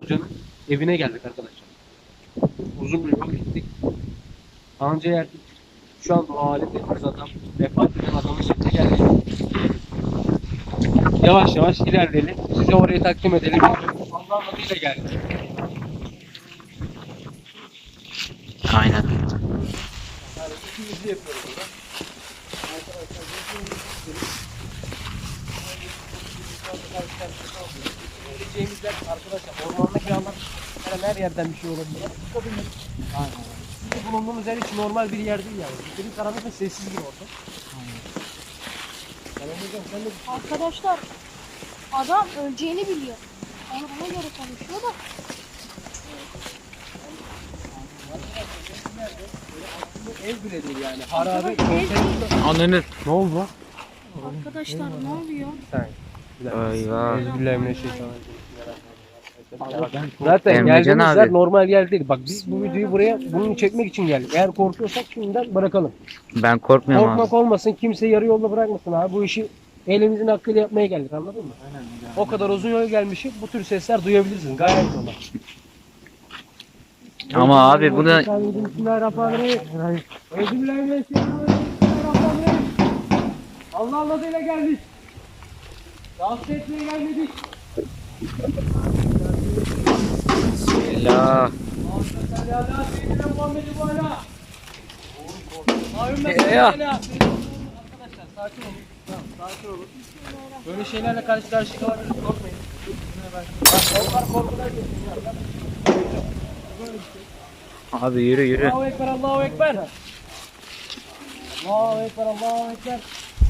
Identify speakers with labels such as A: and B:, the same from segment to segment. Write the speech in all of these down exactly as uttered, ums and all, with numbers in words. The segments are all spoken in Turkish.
A: hocanın evine geldik arkadaşlar. Uzun bir yol gittik. Anca yerdik. Şu an o halinde adam vefat eden adamın şekli geldi. Yavaş yavaş ilerleyelim. Size orayı takdim edelim. Allah'ın adıyla geldik.
B: Aynen.
A: Yani ikimizi yapıyoruz burada. Arkadaşlar Geleceğimiz yer arkadaşlar ormandaki alan her, her yerden bir şey olabilir. Çıkabilir. Aynen. Çünkü bulunduğumuz yer hiç normal bir yer değil yani. Bir karanlık ve sessiz bir ortam. Aynen. Yani hocam sen de
C: Arkadaşlar adam öleceğini biliyor. Yani ona göre konuşuyor da.
A: ev bile değil yani. Harabe.
B: Ananı.
A: Ne oldu?
C: Arkadaşlar ne oluyor?
A: Sen.
B: Eyvah.
A: Zaten
B: Emrecan
A: geldiğimiz
B: abi.
A: yer normal yer değil. Bak biz bu videoyu buraya bunu çekmek için geldik. Eğer korkuyorsak şimdiden bırakalım.
B: Ben korkmuyorum
A: Korkmak
B: abi.
A: olmasın, kimse yarı yolda bırakmasın abi. Bu işi elimizin hakkıyla yapmaya geldik, anladın mı? Aynen. O kadar uzun yol gelmişiz, bu tür sesler duyabilirsiniz. Gayet normal.
B: Ama abi bu da
A: Bismillahirrahmanirrahim. Bismillahirrahmanirrahim. Allah'ın adıyla geldik. Rahatsız etmeye gelmedik.
B: Bismillah. Ya.
A: Arkadaşlar sakin olun. Tamam, sakin olun. Böyle şeylerle karşı karşıya kalabiliriz. Korkmayın. Onlar korkular geçiyor.
B: Abi yürü yürü.
A: Allahu Ekber, Allahu Ekber. Allahu Ekber, Allahu Ekber.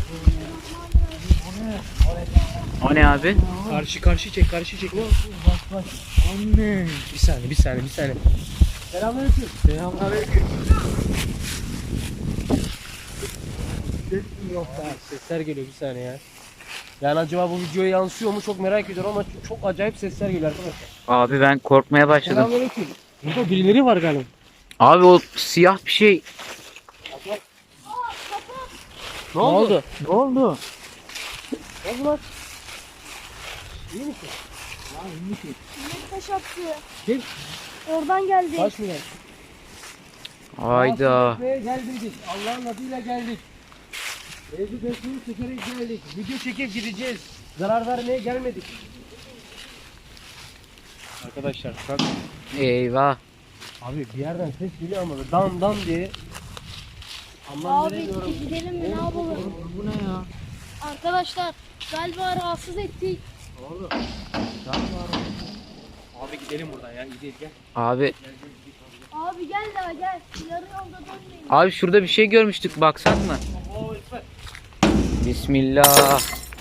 B: O ne abi?
A: Karşı karşı çek, karşı çek. Bak bak. Anne. Bir saniye, bir saniye, bir saniye. Selamünaleyküm. Selamünaleyküm. Ses yok da. Sesler geliyor bir saniye ya. Yani acaba bu videoya yansıyor mu çok merak ediyorum ama çok acayip sesler geliyor arkadaşlar.
B: Abi ben korkmaya başladım.
A: Selamünaleyküm. Burada birileri var galiba.
B: Abi o siyah bir şey.
A: Ne oldu?
B: Ne oldu?
A: Ne oldu lan? İyi misin?
C: Millet taş attı.
A: Kim?
C: Oradan geldi.
A: Taş mı geldi?
B: Hayda.
A: Buraya geldik. Allah'ın adıyla geldik. Evde besmeyi çekerek geldik. Video çekip gideceğiz. Zarar vermeye gelmedik. Arkadaşlar bak.
B: Eyvah.
A: Abi bir yerden ses geliyor ama dan dan diye. Anlam
C: Abi
A: veremiyorum.
C: gidelim mi ne yapalım?
B: Bu ne ya?
C: Arkadaşlar galiba rahatsız ettik.
A: Oğlum. Abi gidelim buradan ya. Gidelim gel.
B: Abi.
C: Abi gel daha gel. Yarı yolda dönmeyin.
B: Abi şurada bir şey görmüştük, baksak mı?
A: Allahu Ekber.
B: Bismillah.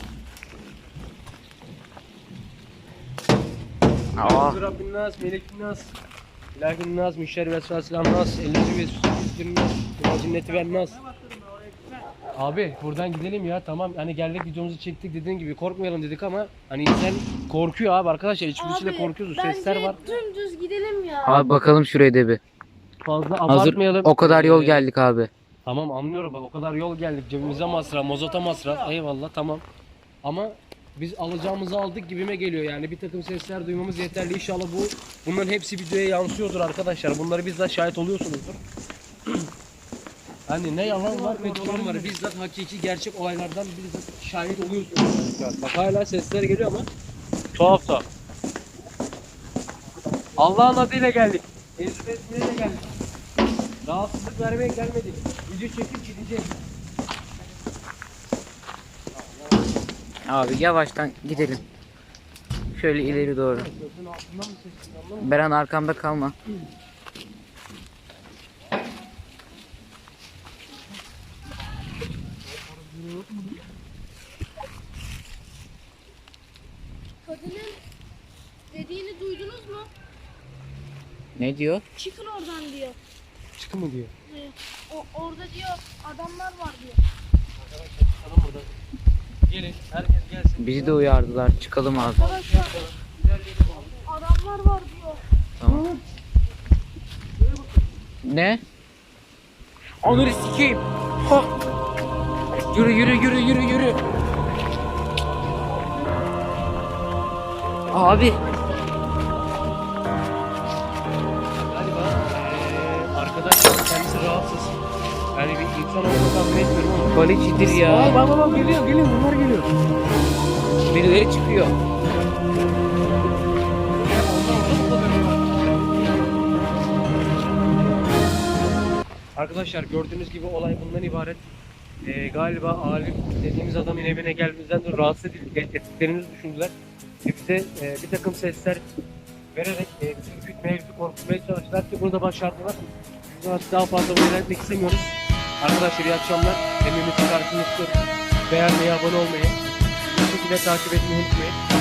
B: Aa.
A: Rabbin nas, melekin nas. İlahin nas, müşşer ve sasilam nas. Ellezi ve süsüdür nas. Kula cinneti ver nas. Abi buradan gidelim ya, tamam hani geldik videomuzu çektik dediğin gibi korkmayalım dedik ama hani insan korkuyor abi arkadaşlar, içimizde de korkuyoruz, sesler var.
C: Bence dümdüz gidelim ya.
B: Abi bakalım şuraya da bir.
A: Fazla
B: Hazır
A: abartmayalım.
B: o kadar yol
A: Ee,
B: geldik abi.
A: Tamam anlıyorum bak, o kadar yol geldik, cebimize masraf, mozota masraf, eyvallah tamam. Ama biz alacağımızı aldık gibime geliyor yani, bir takım sesler duymamız yeterli. İnşallah bu bunların hepsi videoya yansıyordur arkadaşlar. Bunları bizzat şahit oluyorsunuzdur. Hani ne yalan var ne dolan var. Bizzat hakiki gerçek olaylardan bizzat şahit oluyorsunuz. Bak hala sesler geliyor ama tuhaf tuhaf. Allah'ın adıyla geldik. Ezber etmeye geldik. Rahatsızlık vermeye gelmedik. Video çekip gideceğiz.
B: Abi yavaştan gidelim. Şöyle ileri doğru. Beren arkamda kalma.
C: Kadının dediğini duydunuz mu?
B: Ne diyor?
C: Çıkın oradan diyor.
A: Çıkın mı diyor.
C: Ee, O, orada diyor adamlar var diyor.
A: Çıkalım buradan. Gelin, herkes gelsin.
B: Bizi de uyardılar. Çıkalım abi.
C: Arkadaşlar adamlar var diyor.
B: Tamam. Ne? Onları sikeyim. Ha. Yürü yürü yürü yürü yürü. Abi. Kalecidir
A: Aa,
B: ya.
A: bak bak bak geliyor geliyor bunlar geliyor.
B: Birileri çıkıyor.
A: Arkadaşlar gördüğünüz gibi olay bundan ibaret. Ee, galiba alim dediğimiz adamın evine gelmemizden dolayı rahatsız edildik, ettiklerimizi düşündüler. Ve bize e, bir takım sesler vererek e, bizi ürkütmeye, bizi korkutmaya çalıştılar ki bunu da başardılar. Biz artık daha fazla bunu etmek istemiyoruz. Arkadaşlar iyi akşamlar. Emeğimizin karşılığını istiyoruz. Beğenmeyi, abone olmayı, bu şekilde takip etmeyi unutmayın.